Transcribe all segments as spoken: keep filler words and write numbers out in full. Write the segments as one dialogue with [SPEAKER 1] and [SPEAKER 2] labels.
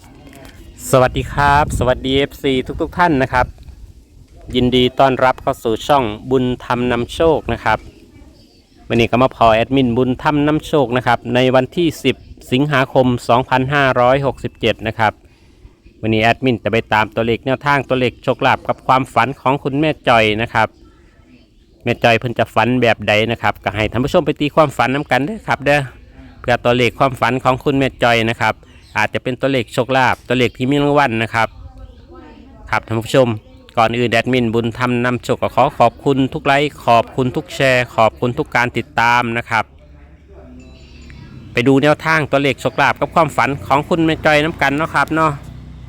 [SPEAKER 1] สวัสดีครับสวัสดี เอฟ ซี ทุกๆทท่านนะครับยินดีต้อนรับเข้าสู่ช่องบุญธรรมนำโชคนะครับวันนี้ก็มาพอแอดมินบุญธรรมนำโชคนะครับในวันที่สิบสิงหาคมสองพันห้าร้อยหกสิบเจ็ดนะครับวันนี้แอดมินจะไปตามตัวเลขแนวทางตัวเลขโชคลาภกับความฝันของคุณแม่จอยนะครับแม่จอยเพิ่นจะฝันแบบใดนะครับก็ให้ท่านผู้ชมไปตีความฝันน้ากันเด้อครับเด้อเพื่อตัวเลขความฝันของคุณแม่จอยนะครับอาจจะเป็นตัวเลขโชคลาภตัวเลขที่มีรางวัลนะครับครับท่านผู้ชมก่อนอื่นแอดมินบุญธรรมนำโชคก็ขอขอบคุณทุกไลค์ขอบคุณทุกแชร์ขอบคุณทุกการติดตามนะครับไปดูแนวทางตัวเลขโชคลาภกับความฝันของคุณแม่จอยน้ำกันเนาะครับเนาะ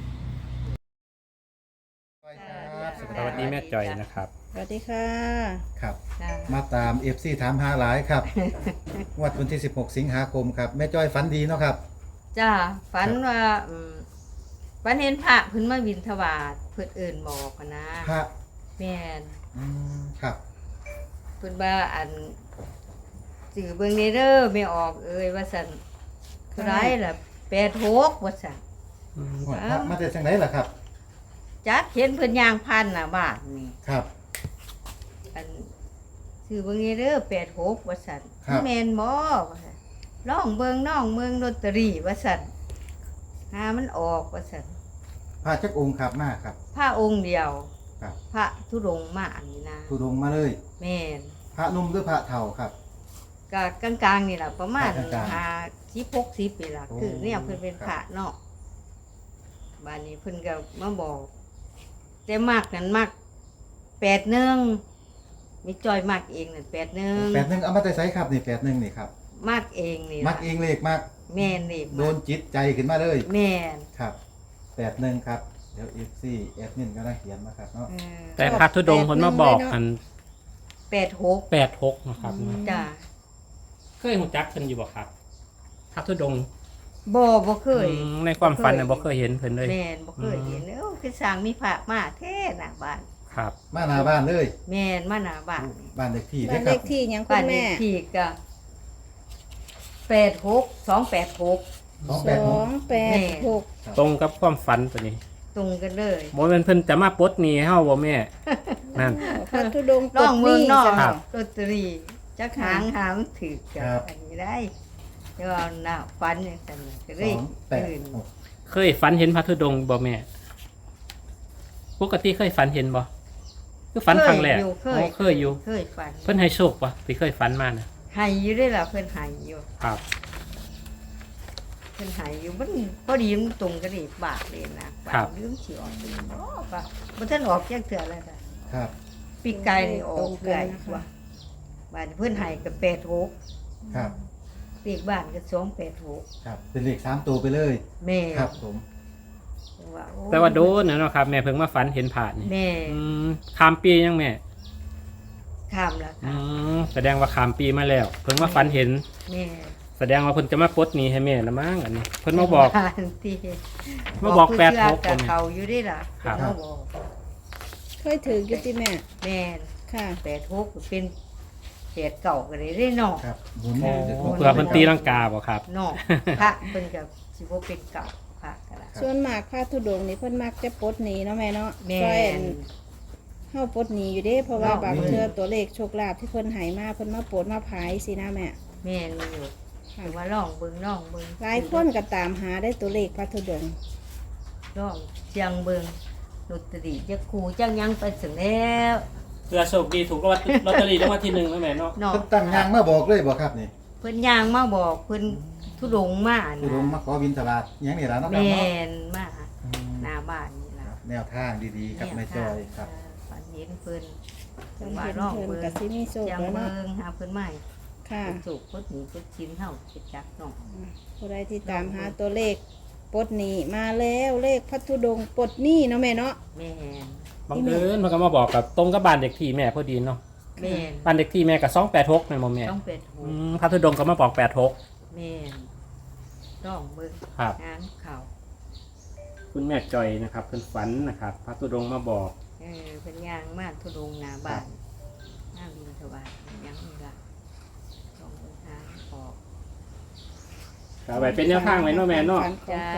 [SPEAKER 1] สวัสดีแม่จอยนะครับ
[SPEAKER 2] สวัสดีค่ะ
[SPEAKER 3] ครับมาตาม เอฟ ซี ถามหาหลายครับ งวดวันที่สิบหกสิงหาคมครับแม่จ้อยฝันดีเนาะครับ
[SPEAKER 2] จ้าฝันว่าอืมฝันเห็นพระเพิ่นมาบิณฑบาตเพิ่นเอิ้นบอกอะนะ
[SPEAKER 3] พระ
[SPEAKER 2] แม่น
[SPEAKER 3] อืมครับ
[SPEAKER 2] เพิ่นว่าอันสื่อเบิ่งนี่เด้อไม่ออกเอ้ยว่าซั่นเท่าไรล่ะแปดหกว่าซั่น
[SPEAKER 3] งวดพระมาแต่จังไดล่ะครับ
[SPEAKER 2] จักเห็นเพิ่นย่างผ่านหน้าบ้านนี่
[SPEAKER 3] ครับ
[SPEAKER 2] อันสื่อเบิ่งนี่เด้อแปดหกว่าซั่นแม่นบ่ว่าซั่นลองเบิ่งน้องเมืองลอตเตอรี่ว่าซั่นหามันออกว่าซั่น
[SPEAKER 3] พระจักองค์ครับมาครับ
[SPEAKER 2] พระองค์เดียว
[SPEAKER 3] ครับ
[SPEAKER 2] พระธุดงค์มาอันนี้นะ
[SPEAKER 3] ธุดงค์มาเลย
[SPEAKER 2] แม่น
[SPEAKER 3] พระนุ่มหรือพระเฒ่าครับ
[SPEAKER 2] ก็กลางๆนี่แหละประมาณห้าสิบหกสิบปีละคือเนี่ยเพิ่นเป็นพระเนาะบ้านนี้เพิ่นก็มาบอกแต่มากนั้นมากแปดหนึ่งมีจอยมากเองนั่นแปดหนึ่ง
[SPEAKER 3] แปดหนึ่งเอามาแต่ไสครับนี่แปดหนึ่งนี่ครับ
[SPEAKER 2] มากเองนี่
[SPEAKER 3] มักเองเลขมาก
[SPEAKER 2] แม่นเลข
[SPEAKER 3] โดนจิตใจขึ้นมาเลย
[SPEAKER 2] แม่น
[SPEAKER 3] ครับแปดหนึ่งครับเดี๋ยว เอฟ ซี แอดมินก็ได้เขียนมาครับเนาะ
[SPEAKER 1] แต่พระธุดงค์เพิ่นมาบอกอัน
[SPEAKER 2] แปดหก
[SPEAKER 1] แปดหกนะครับ
[SPEAKER 2] จ้า
[SPEAKER 1] เคยหูจักเพิ่นอยู่บ่ครับพระธุดงค์
[SPEAKER 2] บ่บ่เคย
[SPEAKER 1] ในความฝันน่ะบ่เคยเห็นเพิ่นเลย
[SPEAKER 2] แม่นบ่เคยเห็นเอ้าคือสร้างมีพระมาแท้หน้าบ้าน
[SPEAKER 1] ครับ
[SPEAKER 3] มาหน้าบ้านเลย
[SPEAKER 2] แม่นมาหน้าบ้าน
[SPEAKER 3] บ้านเลขที่
[SPEAKER 2] บ้านเลขที่หยังคุณแม่บ้านเลขที่ก็แปดหก สองแปดหก
[SPEAKER 3] สองแปดหก
[SPEAKER 1] ตรงกับความฝันตัวนี้
[SPEAKER 2] ตรงกันเลย
[SPEAKER 1] บ่แม่นเพิ่นจะมาปลดหนี้เฮาบ่แม่นั่น
[SPEAKER 2] พระธุดงค์น้องเมืองนอกลอตเตอรี่จักหางหามถือกันอันนี้ได้เดี๋ยวเอาหน้าฝันจังซั่นก็เลยตื่น
[SPEAKER 1] เคยฝันเห็นพระธุดงค์บ่แม่ปกติเคยฝันเห็นบ่คือฝันครั้งแรกอ๋อเคยอยู่
[SPEAKER 2] เคยฝัน
[SPEAKER 1] เพิ่นให้โชคบ่ที่เคยฝันมาน่ะ
[SPEAKER 2] ให้อยู่ได้ล่ะเพิ่นให้อยู่
[SPEAKER 1] ครับ
[SPEAKER 2] เพิ่นให้อยู่มันพอดีมันตรงกันอีกบาทเลยนะครับลืมสิออกบ่ป่ะบ่ทันออกจักเทื่อแล้วค่ะ
[SPEAKER 3] ครับ
[SPEAKER 2] ปีกไก่นี่ออกเกือยว่าบ้านเพิ่นให้ก็แปดหก
[SPEAKER 3] ครับ
[SPEAKER 2] เลขบ้านก็สองแปดหก
[SPEAKER 3] ครับเป็นเลขสามตัวไปเลย
[SPEAKER 2] แม่
[SPEAKER 3] ครับผม
[SPEAKER 1] แต่ว่าโดนเนาะครับแม่เพิ่งมาฝันเห็นผ่านนี่
[SPEAKER 2] แม่
[SPEAKER 1] อืมข้ามปียังแม่
[SPEAKER 2] ข้ามแล้ว
[SPEAKER 1] อืมแสดงว่าข้ามปีมาแล้วเพิ่งมาฝันเห็น
[SPEAKER 2] แม่
[SPEAKER 1] แสดงว่าเพิ่นจะมาปลดหนี้ให้แม่ละมั้งอันนี้เพิ่นมาบอกมาบอกแปดหก
[SPEAKER 2] กับเขาอยู่ได้ล่ะ
[SPEAKER 1] ครับ
[SPEAKER 2] มาบอก
[SPEAKER 4] เคยถืออยู่ที่แม่
[SPEAKER 2] แม่
[SPEAKER 4] ค่ะ
[SPEAKER 2] แปดหกเป็นแปดเก่าก็ได้ได้เนาะ
[SPEAKER 3] ครับหมุน
[SPEAKER 1] เพื่อเพิ่นตีลังกาบ่ครับ
[SPEAKER 2] เนาะพระเพิ่นก็สิบ่เป็นเก่าพระก็ล่ะ
[SPEAKER 4] ส่วนมากพระธุดงค์นี่เพิ่นมักจะปลดหนี้เนาะแม่เนาะ
[SPEAKER 2] แม่
[SPEAKER 4] เฮาปลดหนี้อยู่เด้เพราะว่าบางเทื่อตัวเลขโชคลาภที่เพิ่นให้มาเพิ่นมาปลดมาพายสินะแม่
[SPEAKER 2] แม่นอยู่ถือว่าลองเบิ่งลองเบิ่ง
[SPEAKER 4] หลายคนก็ตามหาได้ตัวเลขพระธุดงค์
[SPEAKER 2] ลองเชียงเบิ่งลอตเตอรี่จักคู่จักยังไปถึงแล้ว
[SPEAKER 1] เพื่อโชคดีถูกลอตเตอรี่รางวัลที่หนึ่งนะแม่เนาะ
[SPEAKER 3] เพิ่นตั้งยางมาบอกเลยบ่ครับนี่
[SPEAKER 2] เพิ่นย่างมาบอกเพิ่นธุดงค์มา
[SPEAKER 3] ธุดงค์มาขอบิณฑบาตหยังนี่ล่ะเนาะครับ
[SPEAKER 2] เนาะแม่นมาหน้าบ้านนี่ล่ะ
[SPEAKER 3] แนวทางดีๆครับแม่จอยครับ
[SPEAKER 2] ฝันเห็นเพิ่น
[SPEAKER 4] จังว่าลองเบิ่งก็สิมีโชคแล้วเนาะ
[SPEAKER 2] หาเพิ่นใหม่
[SPEAKER 4] ค่ะ
[SPEAKER 2] สุกพุทธนี้พุทธชินเฮาสิจักเนาะ
[SPEAKER 4] ผู้ใดที่ตามหาตัวเลขปลดหนี้มาแล้วเลขพระธุดงค์ปลดหนี้เนาะแม่เนาะ
[SPEAKER 2] แม่
[SPEAKER 1] บังเอิญมันก็มาบอกกับตรงกับบ้านเด็กที่แม่พอดีเนาะ
[SPEAKER 2] แม่
[SPEAKER 1] บ้านเด็กที่แม่ก็สองแปดหกแม่นบ่แม่
[SPEAKER 2] สองแปดหก
[SPEAKER 1] อืมพระธุดงค์ก็มาบอกแปดหก
[SPEAKER 2] แม่ต้องเบิ่ง
[SPEAKER 1] ครับ
[SPEAKER 2] งานเขา
[SPEAKER 1] คุณแม่จอยนะครับเพิ่นฝันนะครับพระธุดงค์มาบอก
[SPEAKER 2] เออเพิ่นย่างมาธุดงค์หน้าบ้านหน้าบิณฑบาตยังนี่ล่ะต้องเบิ่งหาออก
[SPEAKER 1] เอาไว้เป็นแนวทางไว้เนาะแม่เนาะ
[SPEAKER 2] จ้า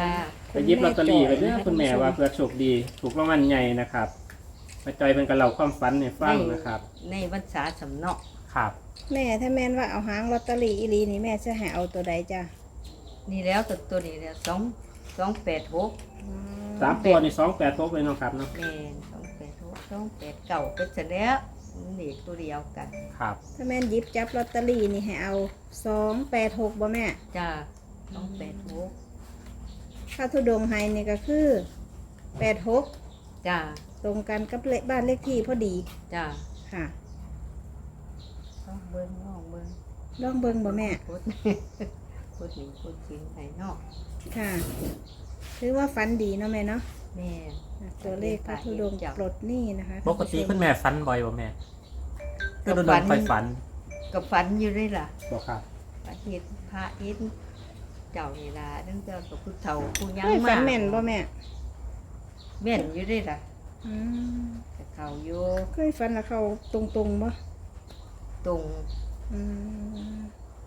[SPEAKER 1] ไปหยิบลอตเตอรี่ไปเด้อคุณแม่ว่าเพื่อโชคดีถูกรางวัลใหญ่นะครับแม่จอยเป็นกระเล่าความฝันให้ฟังนะครับ
[SPEAKER 2] ในภาษาสำเนาะ
[SPEAKER 1] ครับ
[SPEAKER 4] แม่ถ้าแม่นว่าเอาหางลอตเตอรี่อีหลีนี่แม่จะให้เอาตัวใดจ้ะ
[SPEAKER 2] นี่แล้วตัวตัวนี้แล้วสองสองแปดหก
[SPEAKER 1] สามตัวนี่สองแปดทบเลยเนาะครับเนาะ
[SPEAKER 2] แม่นสองแปดหกสองแปดเก่าก็จะแล้วนี่ตัวเดียวกัน
[SPEAKER 1] ครับ
[SPEAKER 4] ถ้าแม่นหยิบจับลอตเตอรี่นี่ให้เอาสองแปดหกบ่แม่
[SPEAKER 2] จ้าสองแปดหก
[SPEAKER 4] ถ้าทุดงไฮนี่ก็คือแปดหก
[SPEAKER 2] จ้า
[SPEAKER 4] ตรงกันกับเลขบ้านเลขที่พอดี
[SPEAKER 2] จ้า
[SPEAKER 4] ค่ะ
[SPEAKER 2] ต้องเบิ้งน้องเบิ้ง
[SPEAKER 4] ลองเบิ่งบ่แม่
[SPEAKER 2] พุดพุดหนึ่งพุดชิ้นไห้นอก
[SPEAKER 4] ค่ะถือว่าฝันดีเนาะแม่เนาะ
[SPEAKER 2] แม่
[SPEAKER 4] ตัวเลขพระธุดงค์ปลดหนี้นะคะ
[SPEAKER 1] ปกติคุณแม่ฝันบ่อยบ่แม่ก็โดนๆค่อยฝัน
[SPEAKER 2] กับฝันอยู่ด้วยล่ะ
[SPEAKER 1] บอกครับ
[SPEAKER 2] พระเฮ็ดพระเฮ็ดเจ้านี่ล่ะนั่นเจ้ากับผู้เฒ่าผู้ยัง
[SPEAKER 4] เฮ้ย
[SPEAKER 2] มา
[SPEAKER 4] ฝันแม่นบ่แม่
[SPEAKER 2] แม่นอยู่ด้วยล่ะ
[SPEAKER 4] อืม
[SPEAKER 2] แต่เขาอยู่
[SPEAKER 4] เคยฝันแล้วเขาตรงๆบ่
[SPEAKER 2] ตรง
[SPEAKER 4] อืม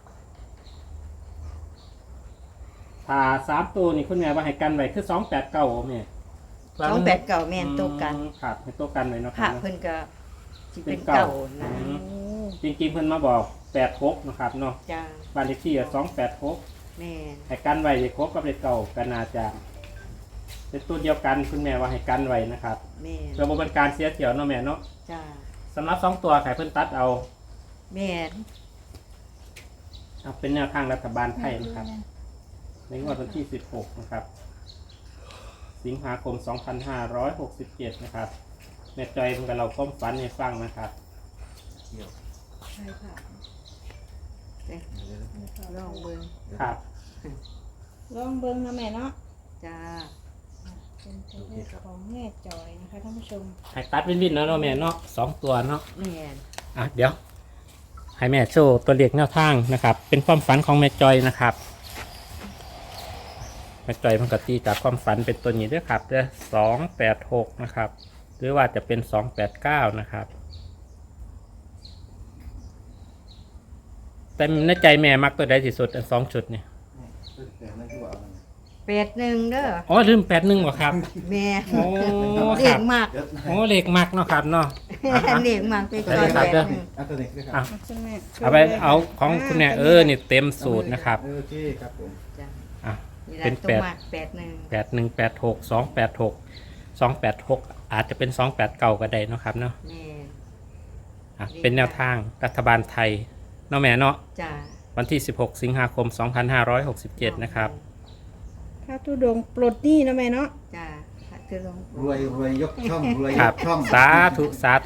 [SPEAKER 1] ถ้าสามตัวนี่คุณแม่ว่าให้กันไว้คือสองแปดเก้าแม่
[SPEAKER 2] สองแปดเก่าแม่นตัวกัน
[SPEAKER 1] อืมครับให้ตัวกันไว้เนาะ
[SPEAKER 2] พ
[SPEAKER 1] ค
[SPEAKER 2] ระ
[SPEAKER 1] รับ
[SPEAKER 2] เพิ่นก็สิเป็น
[SPEAKER 1] เป็นเก่า
[SPEAKER 2] เก่านะ
[SPEAKER 1] อืม
[SPEAKER 4] โอ้
[SPEAKER 1] จริงๆเพิ่นมาบอกแปดหกนะครับเนาะ
[SPEAKER 2] จ้า
[SPEAKER 1] บ้านเลขที่สองแปดหก
[SPEAKER 2] แม่น
[SPEAKER 1] ให้กันไว้เลขหกกับเลขเก่ากันนาจะเป็นตัวเดียวกันคุณแม่ว่าให้กันไว้นะครับ
[SPEAKER 2] แม่น
[SPEAKER 1] เพื่อบ่เป็นการเสียเที่ยวเนาะแม่เนาะ
[SPEAKER 2] จ้า
[SPEAKER 1] สำหรับสองตัวไข่เพิ่นตัดเอา
[SPEAKER 2] แม่น
[SPEAKER 1] เอาเป็นแนวทางรัฐบาลไทยนะครับ ในงวดวันที่สิบหกนะครับ สิงหาคมสองพันห้าร้อยหกสิบเจ็ดนะครับแม่จอยเพิ่นกับเราความฝันให้ฟังนะครับ
[SPEAKER 2] ใช่ค่ะเด้ลองเบิ่ง
[SPEAKER 1] ครับ
[SPEAKER 4] ลองเบิ่งนะแม่เนาะ
[SPEAKER 2] จ้า
[SPEAKER 4] เป็นตัวเลขของแม่จอยนะคะท่านผู้ชม
[SPEAKER 1] ให้ตัดวินวินเนาะเนาะแม่เนาะสองตัวเนาะ
[SPEAKER 2] แม่น
[SPEAKER 1] อ่ะเดี๋ยว ให้แม่โชว์ตัวเลขแนวทางนะครับ เป็นความฝันของแม่จอยนะครับแม่จอยมันก็ตีจากความฝันเป็นตัวนี้ด้วยครับเด้อสองแปดหกนะครับ หรือว่าจะเป็นสองแปดเก้านะครับ แต่ในใจแม่มักตัวใดที่สุดอันสองชุดเนี่ย
[SPEAKER 2] แปดหนึ่งเด้อ
[SPEAKER 1] อ๋อลืมแปดหนึ่งเหรอครับ
[SPEAKER 2] แม่
[SPEAKER 1] โอ้
[SPEAKER 2] เรี
[SPEAKER 1] ค
[SPEAKER 2] ย
[SPEAKER 1] รั
[SPEAKER 2] ก
[SPEAKER 1] บ
[SPEAKER 2] มาก
[SPEAKER 1] โอ้เลขมักเนาะครับเนาะอ่ะอ่ะ
[SPEAKER 2] เรียกมากไป
[SPEAKER 1] ได้เลยครับ
[SPEAKER 2] แปดหนึ่ง
[SPEAKER 3] เอาตัวนี้ด้วยค
[SPEAKER 1] อ่ะ
[SPEAKER 3] รับ
[SPEAKER 4] คุณแม่
[SPEAKER 1] เอาไปเอาของคุณแม่เออนี่เต็มสูตรนะครับ
[SPEAKER 3] โอเคครับผม
[SPEAKER 2] จ้า
[SPEAKER 1] อ่ะ
[SPEAKER 2] นี่
[SPEAKER 1] เป็
[SPEAKER 2] ละ
[SPEAKER 1] น
[SPEAKER 2] ตัว
[SPEAKER 1] แปด
[SPEAKER 2] มากแปดหนึ่ง
[SPEAKER 1] แปดหนึ่งแปดหกสองแปดหกสองแปดหกอาจจะเป็นสองแปดเก่าก็ได้เนาะครับเนาะ
[SPEAKER 2] แม่
[SPEAKER 1] อ่ะเป็นแนวทางรัฐบาลไทยเนาะแม่เนาะ
[SPEAKER 2] จ้า
[SPEAKER 1] วันที่สิบหกสิงหาคมสองพันห้าร้อยหกสิบเจ็ดนะครับ
[SPEAKER 4] พระธุดงค์ปลดหนี้นะแม่เนาะ
[SPEAKER 2] จ้าคือลง
[SPEAKER 3] รวยรวยยกช่องรวย
[SPEAKER 1] ค
[SPEAKER 3] ย
[SPEAKER 1] รับ
[SPEAKER 3] กช่อง
[SPEAKER 1] สาธุสาธุ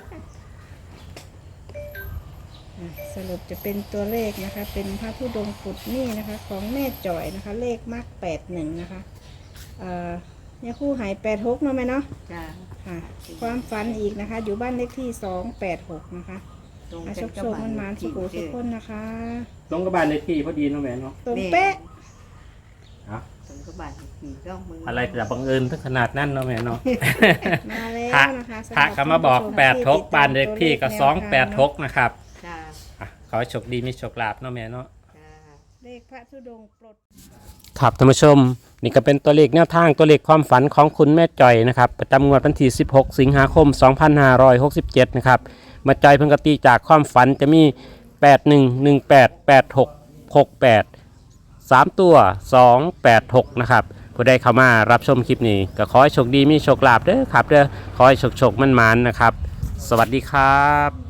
[SPEAKER 4] อ่ะสรุปจะเป็นตัวเลขนะคะ เป็นพระธุดงค์ปลดหนี้นะคะ ของแม่จอยนะคะ เลขมากแปดหนึ่งนะคะเอ่อเนี่ยคู่หายแปดหกเนาะแม่เนาะ
[SPEAKER 2] จ้า
[SPEAKER 4] ค่ะ ความฝันอีกนะคะ อยู่บ้านเลขที่สองแปดหกนะคะ
[SPEAKER 2] ตรง
[SPEAKER 4] อา
[SPEAKER 2] กั
[SPEAKER 4] ช
[SPEAKER 2] น
[SPEAKER 4] ค
[SPEAKER 2] กับ
[SPEAKER 4] โชค
[SPEAKER 2] บ้า
[SPEAKER 4] มันมาน
[SPEAKER 2] เลข
[SPEAKER 4] สุ
[SPEAKER 2] ที่
[SPEAKER 4] โขทุกคนนะคะ
[SPEAKER 1] ตรงกับบ้านเลขที่พอดีเนาะแม่เนาะ
[SPEAKER 4] ตรงเป๊ะ
[SPEAKER 1] อ่ะ
[SPEAKER 2] ตรงกับบ้านเลขที่ก็มึง
[SPEAKER 1] อะไรจะบังเอิญถึงขนาดนั้นเนาะแม่เนาะ
[SPEAKER 4] มาแล้ว
[SPEAKER 1] พระ
[SPEAKER 4] นะคะสำห
[SPEAKER 1] พระ
[SPEAKER 4] รับ
[SPEAKER 1] ก็มาบอก
[SPEAKER 4] ท่นผู้ช
[SPEAKER 1] แปดหก
[SPEAKER 4] ที่ติตม
[SPEAKER 1] บ้านเลขที่ก็
[SPEAKER 4] ตัว
[SPEAKER 1] สอง
[SPEAKER 4] เลข
[SPEAKER 1] แปดหกนะครับ
[SPEAKER 2] จ้า
[SPEAKER 1] อ่ะขอให้โชคดีมีโชคลาภเนาะแม่เนาะ
[SPEAKER 2] จ้า
[SPEAKER 4] เลขพระธุดงค์ปลด
[SPEAKER 1] ครับท่านผู้ชมนี่ก็เป็นตัวเลขแนวทางตัวเลขความฝันของคุณแม่จอยนะครับประจำงวดวันที่สิบหกสิงหาคมสองพันห้าร้อยหกสิบเจ็ดนะครับแม่จอยเพิ่งกตีจากความฝันจะมีแปดหนึ่ง หนึ่งแปด แปดหก หกแปดสามตัวสองแปดหกนะครับผู้ใดเข้ามารับชมคลิปนี้ก็ขอให้โชคดีมีโชคลาภเด้อครับเด้อขอให้โชคโชคมั่นๆนะครับ สวัสดีครับ